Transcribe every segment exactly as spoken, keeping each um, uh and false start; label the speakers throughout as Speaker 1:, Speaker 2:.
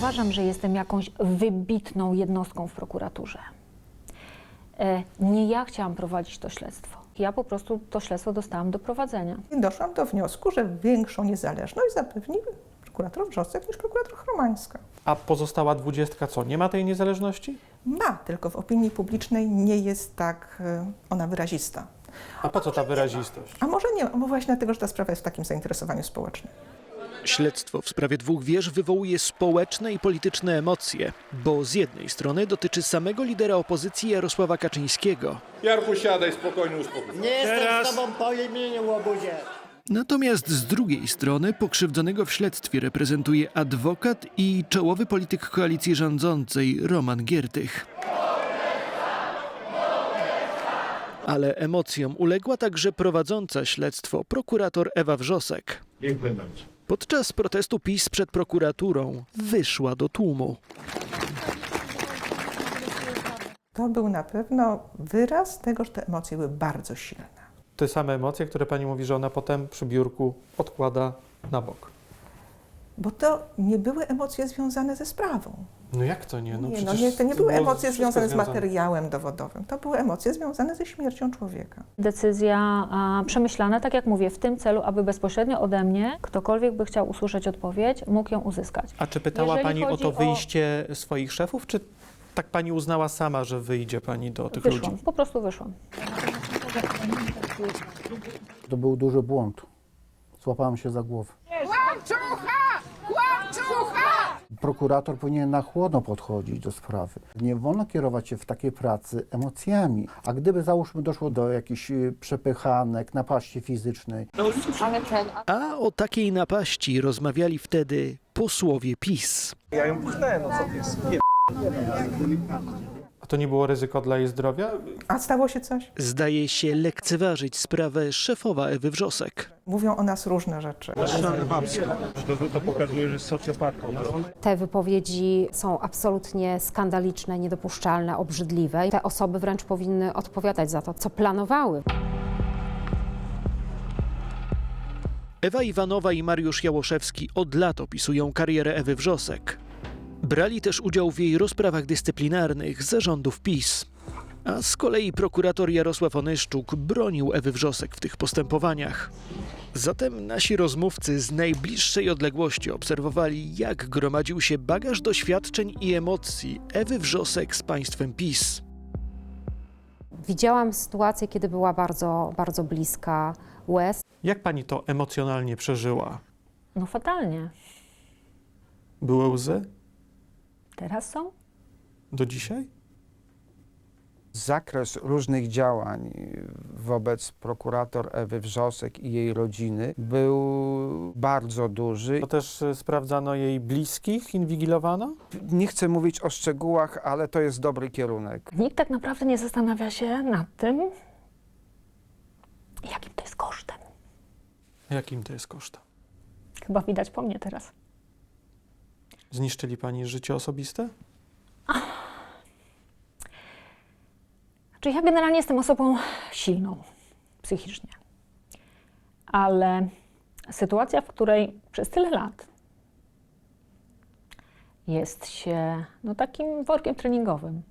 Speaker 1: uważam, że jestem jakąś wybitną jednostką w prokuraturze. E, Nie ja chciałam prowadzić to śledztwo. Ja po prostu to śledztwo dostałam do prowadzenia.
Speaker 2: I doszłam do wniosku, że większą niezależność zapewni prokurator Wrzosek niż prokurator Chromańska.
Speaker 3: A pozostała dwudziestka co, nie ma tej niezależności?
Speaker 2: Ma, tylko w opinii publicznej nie jest tak e, ona wyrazista.
Speaker 3: A po co ta wyrazistość?
Speaker 2: A może nie, bo właśnie dlatego, że ta sprawa jest w takim zainteresowaniu społecznym.
Speaker 4: Śledztwo w sprawie dwóch wież wywołuje społeczne i polityczne emocje, bo z jednej strony dotyczy samego lidera opozycji Jarosława Kaczyńskiego.
Speaker 5: Jarku, siadaj, spokojnie, uspokój się.
Speaker 6: Nie jestem z tobą po imieniu, łobuzie.
Speaker 4: Natomiast z drugiej strony pokrzywdzonego w śledztwie reprezentuje adwokat i czołowy polityk koalicji rządzącej Roman Giertych. Ale emocjom uległa także prowadząca śledztwo prokurator Ewa Wrzosek.
Speaker 5: Dziękuję bardzo.
Speaker 4: Podczas protestu PiS przed prokuraturą wyszła do tłumu.
Speaker 2: To był na pewno wyraz tego, że te emocje były bardzo silne.
Speaker 3: Te same emocje, które pani mówi, że ona potem przy biurku odkłada na bok.
Speaker 2: Bo to nie były emocje związane ze sprawą.
Speaker 3: No jak to nie? No,
Speaker 2: Nie, no
Speaker 3: przecież
Speaker 2: nie, to nie były
Speaker 3: było
Speaker 2: emocje
Speaker 3: wszystko
Speaker 2: związane z materiałem dowodowym. To były emocje związane ze śmiercią człowieka.
Speaker 1: Decyzja a, przemyślana, tak jak mówię, w tym celu, aby bezpośrednio ode mnie, ktokolwiek by chciał usłyszeć odpowiedź, mógł ją uzyskać.
Speaker 3: A czy pytała
Speaker 1: Jeżeli
Speaker 3: pani o
Speaker 1: chodzi
Speaker 3: to
Speaker 1: o-
Speaker 3: wyjście swoich szefów, czy tak pani uznała sama, że wyjdzie pani do tych
Speaker 1: Wyszłam,
Speaker 3: ludzi?
Speaker 1: po prostu wyszłam.
Speaker 7: To był duży błąd. Złapałem się za głowę.
Speaker 8: Kłamczucha! Kłamczucha!
Speaker 7: Prokurator powinien na chłodno podchodzić do sprawy. Nie wolno kierować się w takiej pracy emocjami. A gdyby, załóżmy, doszło do jakichś y, przepychanek, napaści fizycznej,
Speaker 4: A o takiej napaści rozmawiali wtedy posłowie PiS.
Speaker 9: Ja ją pchnęłem, no co ty jest? Nie.
Speaker 3: A to nie było ryzyko dla jej zdrowia?
Speaker 2: A stało się coś?
Speaker 4: Zdaje się lekceważyć sprawę szefowa Ewy Wrzosek.
Speaker 2: Mówią o nas różne rzeczy.
Speaker 9: To, to pokazuje, że jest socjopatką.
Speaker 10: Te wypowiedzi są absolutnie skandaliczne, niedopuszczalne, obrzydliwe. Te osoby wręcz powinny odpowiadać za to, co planowały.
Speaker 4: Ewa Iwanowa i Mariusz Jałoszewski od lat opisują karierę Ewy Wrzosek. Brali też udział w jej rozprawach dyscyplinarnych zarządów PiS. A z kolei prokurator Jarosław Onyszczuk bronił Ewy Wrzosek w tych postępowaniach. Zatem nasi rozmówcy z najbliższej odległości obserwowali, jak gromadził się bagaż doświadczeń i emocji Ewy Wrzosek z państwem PiS.
Speaker 10: Widziałam sytuację, kiedy była bardzo, bardzo bliska łez.
Speaker 3: Jak pani to emocjonalnie przeżyła?
Speaker 1: No fatalnie.
Speaker 3: Były łzy?
Speaker 1: Teraz są?
Speaker 3: Do dzisiaj?
Speaker 11: Zakres różnych działań wobec prokurator Ewy Wrzosek i jej rodziny był bardzo duży.
Speaker 3: To też y, sprawdzano jej bliskich, inwigilowano?
Speaker 11: Nie chcę mówić o szczegółach, ale to jest dobry kierunek.
Speaker 1: Nikt tak naprawdę nie zastanawia się nad tym, jakim to jest kosztem.
Speaker 3: Jakim to jest kosztem?
Speaker 1: Chyba widać po mnie teraz.
Speaker 3: Zniszczyli pani życie osobiste?
Speaker 1: Znaczy ja generalnie jestem osobą silną psychicznie, ale sytuacja, w której przez tyle lat jest się no, takim workiem treningowym.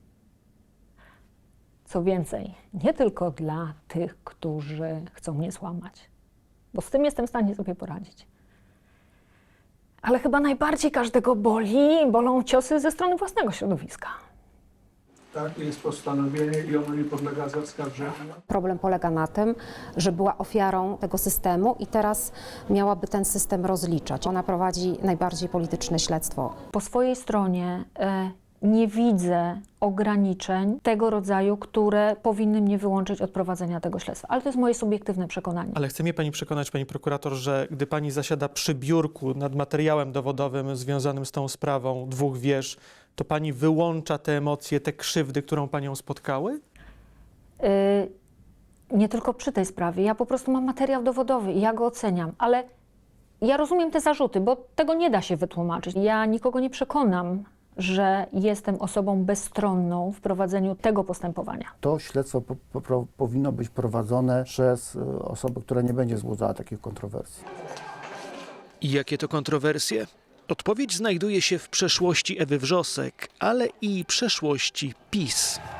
Speaker 1: Co więcej, nie tylko dla tych, którzy chcą mnie złamać, bo z tym jestem w stanie sobie poradzić. Ale chyba najbardziej każdego boli, bolą ciosy ze strony własnego środowiska.
Speaker 9: Tak, jest postanowienie i ono nie podlega zaskarżeniu.
Speaker 10: Problem polega na tym, że była ofiarą tego systemu i teraz miałaby ten system rozliczać. Ona prowadzi najbardziej polityczne śledztwo.
Speaker 1: Po swojej stronie e, nie widzę ograniczeń tego rodzaju, które powinny mnie wyłączyć od prowadzenia tego śledztwa. Ale to jest moje subiektywne przekonanie.
Speaker 3: Ale chce mnie pani przekonać, pani prokurator, że gdy pani zasiada przy biurku nad materiałem dowodowym związanym z tą sprawą dwóch wież, to pani wyłącza te emocje, te krzywdy, którą panią spotkały?
Speaker 1: Y, nie tylko przy tej sprawie. Ja po prostu mam materiał dowodowy i ja go oceniam, ale ja rozumiem te zarzuty, bo tego nie da się wytłumaczyć. Ja nikogo nie przekonam, że jestem osobą bezstronną w prowadzeniu tego postępowania.
Speaker 7: to śledztwo po, po, powinno być prowadzone przez y, osobę, która nie będzie wzbudzała takich kontrowersji.
Speaker 4: I jakie to kontrowersje? Odpowiedź znajduje się w przeszłości Ewy Wrzosek, ale i przeszłości PiS.